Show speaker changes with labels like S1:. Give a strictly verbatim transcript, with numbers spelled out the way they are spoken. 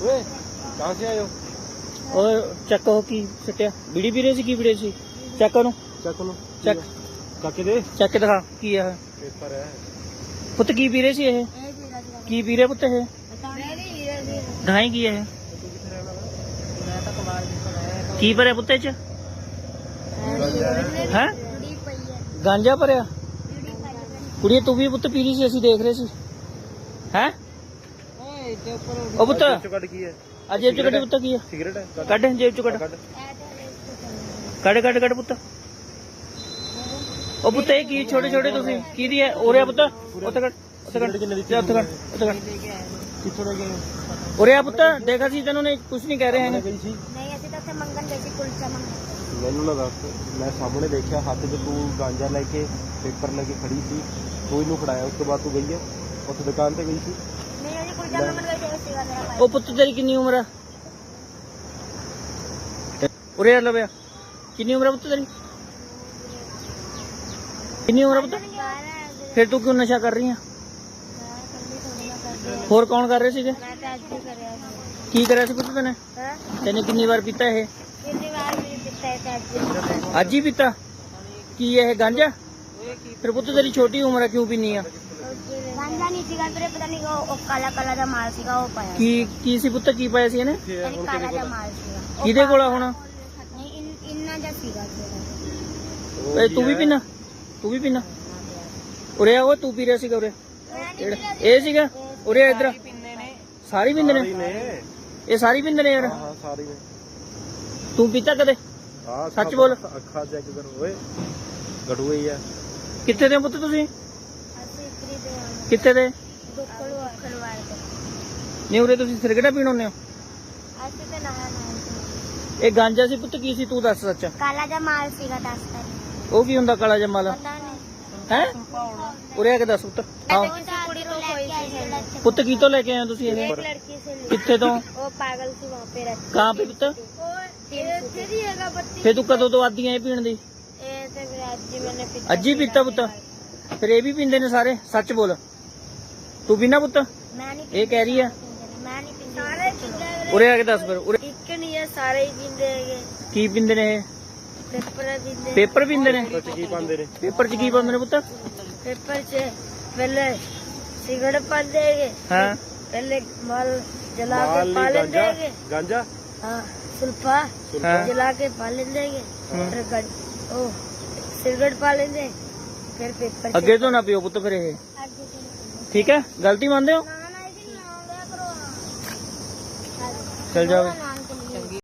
S1: ओए कहाँ से आए हो?
S2: और चेक हो की सटिया बीड़ी पी रहे सी की पी रहे सी चेक करो
S1: चेक करो
S2: चेक
S1: काके दे
S2: चेक दिखा की है
S1: पेपर है
S2: पुत की पी रहे सी ये की पी रहे पुत ये ढाई की है की भरे पुत्ते च हैं गांजा भरिया कुड़िए तू भी पुत पी रही सी असीं देख रहे सी हैं ओ पुत
S1: कट की है
S2: आ जेब च कड्ढ पुत की है
S1: सिगरेट है
S2: कड्ढ जेब च कड्ढ कड्ढ कड्ढ कड्ढ पुत ओ पुत ये की छोटे छोटे तुसीं की दी है ओरे आ पुत उत्थे कड्ढ उत्थे कड्ढ जा उत्थे कड्ढ उत्थे कड्ढ
S1: किथों ले गए
S2: ओरे आ पुत देखा सी तैनूं ने कुछ नहीं कह रहे हैं
S1: गई सी
S3: नहीं ਅਸੀਂ ਤਾਂ ਉੱਥੇ ਮੰਗਣ ਗਏ ਸੀ ਕੁਲਚਾ ਮੰਗਣ
S1: ਮੈਨੂੰ ਨਾ ਦੱਸ ਮੈਂ ਸਾਹਮਣੇ ਦੇਖਿਆ ਹੱਥ 'ਚ ਤੂੰ ਗਾਂਜਾ ਲੈ ਕੇ ਪੇਪਰ ਲੈ ਕੇ ਖੜੀ ਸੀ ਤੂੰ ਇਹਨੂੰ ਫੜਾਇਆ ਉਸ ਤੋਂ ਬਾਅਦ ਤੂੰ ਗਈ ਹੈ ਉੱਥੇ ਦੁਕਾਨ ਤੇ ਗਈ ਸੀ
S3: ਨਹੀਂ ਅਸੀਂ ਕੁਲਚਾ ਮੰਗਣ ਗਏ ਸੀ ਸੀਗਾ ਮੇਰਾ ਭਾਈ
S2: ओ पुत तेरी कितनी उम्र है उरे आ लव्या कितनी उम्र है पुत तेरी कितनी उम्र है पुत फिर तू क्यों नशा कर रही है होर कौन कर रहे सीगे
S3: ਮੈਂ ਤਾਂ ਅੱਜ ਹੀ ਕਰਿਆ ਸੀ
S2: की करे सी पुत तने
S3: ਹਾਂ
S2: तेने कितनी बार पीता है
S3: ਕਿੰਨੀ ਵਾਰ ਵੀ ਦਿੱਤਾ ਹੈ ਤਾਂ ਅੱਜ
S2: आज ही पीता की ये है गांजा फिर पुत तेरी छोटी उम्र है क्यों पीनी है
S3: ਗਾਂਜਾ ਨਹੀਂ ਸੀਗਾ ਵੀਰੇ ਪਤਾ ਨਹੀਂ ਉਹ ਉਹ ਕਾਲਾ ਕਾਲਾ ਦਾ ਮਾਲ ਸੀਗਾ ਉਹ ਪਾਇਆ
S2: की की सी पुत की पाया सी इहने
S3: ਯਾਨੀ ਕਾਲਾ ਦਾ ਮਾਲ ਸੀਗਾ ਉਹ
S2: किदे कोल हुण
S3: ਨਹੀਂ ਇਨ- ਇੰਨਾ ਜਿਹਾ ਸੀਗਾ
S2: ए तू भी पीना तू भी पीना उरे आ वो तू पी रहा सीगा उरे जेड़ा ए सीगा उरे आ इधर सारी पींदे ने
S1: ਨੇ
S2: ये सारी पींदे ने यार
S1: ਹਾਂ ਸਾਰੀ ਨੇ
S2: तू पीता कदे
S1: ਹਾਂ
S2: ਸੱਚ ਬੋਲ।
S1: ਅੱਖਾਂ ਚੈੱਕ ਕਰ ਓਏ ਗੜੂ ਹੀ ਆ
S2: कित्थे दे पुत्त तुसीं
S3: ਅਸੀਂ ਇਤਰੀ ਦੇ
S2: कित्थे दे
S3: ਦੁੱਕਲ ਖਲਵਾੜ ਦੇ
S2: नहीं उरे तुसीं सिरगड़ा पीण आਉਂਦੇ ਹੋ
S3: ਅਸੀਂ ਤਾਂ ਨਹਾ ਨਹਾ
S2: ਇਹ ਗਾਂਜਾ ਸੀ ਪੁੱਤ ਕੀ ਸੀ ਤੂੰ ਦੱਸ ਸੱਚ
S3: ਕਾਲਾ ਦਾ ਮਾਲ ਸੀਗਾ ਦੱਸਦਾ
S2: ਉਹ ਕੀ ਹੁੰਦਾ ਕਾਲਾ ਜਮਾਲਾ
S3: ਪਤਾ ਨਹੀਂ
S2: ਹੈ ਉਰੇ ਆ ਕੇ ਦੱਸ ਪੁੱਤ ਹਾਂ
S3: किसी कुड़ी को कोई सी
S2: ਪੁੱਤ ਕੀ ਤੋਂ ਲੈ ਕੇ ਆਏ ਹੋ ਤੁਸੀਂ ਇਹ
S3: एक लड़की से ली।
S2: ਕਿੱਥੇ ਤੋਂ
S3: वो पागल सी वहाँ पे रहती
S2: ਕਹਾਂ ਪੇ ਪੁੱਤ
S3: फिर ही हैगा बत्ती
S2: ਫੇ ਤੂੰ ਕਦੋਂ ਤੋਂ ਆਦੀ ਐ ਪੀਣ ਦੀ
S3: ये तो फिर आज ही मैंने पीता
S2: ਅੱਜ ਹੀ ਪੀਤਾ ਪੁੱਤ ਫਿਰ ਇਹ ਵੀ ਪੀਂਦੇ ਨੇ ਸਾਰੇ ਸੱਚ ਬੋਲ ਤੂੰ ਪੀਣਾ ਪੁੱਤ
S3: मैं नहीं
S2: ਇਹ ਕਹਿ ਰਹੀ ਆ
S3: मैं नहीं पीता सारे पीते
S2: ਉਰੇ ਆ ਕੇ ਦੱਸ ਫਿਰ ਉਰੇ
S3: एक नहीं है सारे ही पीते हैं
S2: ਕੀ ਪੀਂਦੇ ਨੇ ਇਹ
S3: पेपर पीते
S2: ਪੇਪਰ ਪੀਂਦੇ ਨੇ
S1: ਸੱਚ ਕੀ ਪਾਉਂਦੇ ਨੇ
S2: ਪੇਪਰ ਚ ਕੀ ਪਾਉਂਦੇ ਨੇ ਪੁੱਤ
S3: पेपर से पहले सिगरेट पा देंगे
S2: ਹਾਂ
S3: पहले माल जला के
S1: ਮਾਲ
S3: पाले
S1: ਨਹੀਂ ਗਾਂਜਾ
S3: देंगे
S1: ਗਾਂਜਾ
S3: हाँ सुल्फा
S2: हाँ।
S3: जला के पाले देंगे
S2: हाँ।
S3: फिर गन- ओ सिगरेट पाले देंगे फिर पेपर
S2: ਅੱਗੇ ਤੋਂ ਨਾ ਪੀਓ ਪੁੱਤ ਫਿਰ ਇਹ ਠੀਕ ਹੈ ਗਲਤੀ ਮੰਨਦੇ ਹੋ
S3: ना ना ऐसे नहीं ना हो गया करो
S2: ਚਲ ਜਾਓ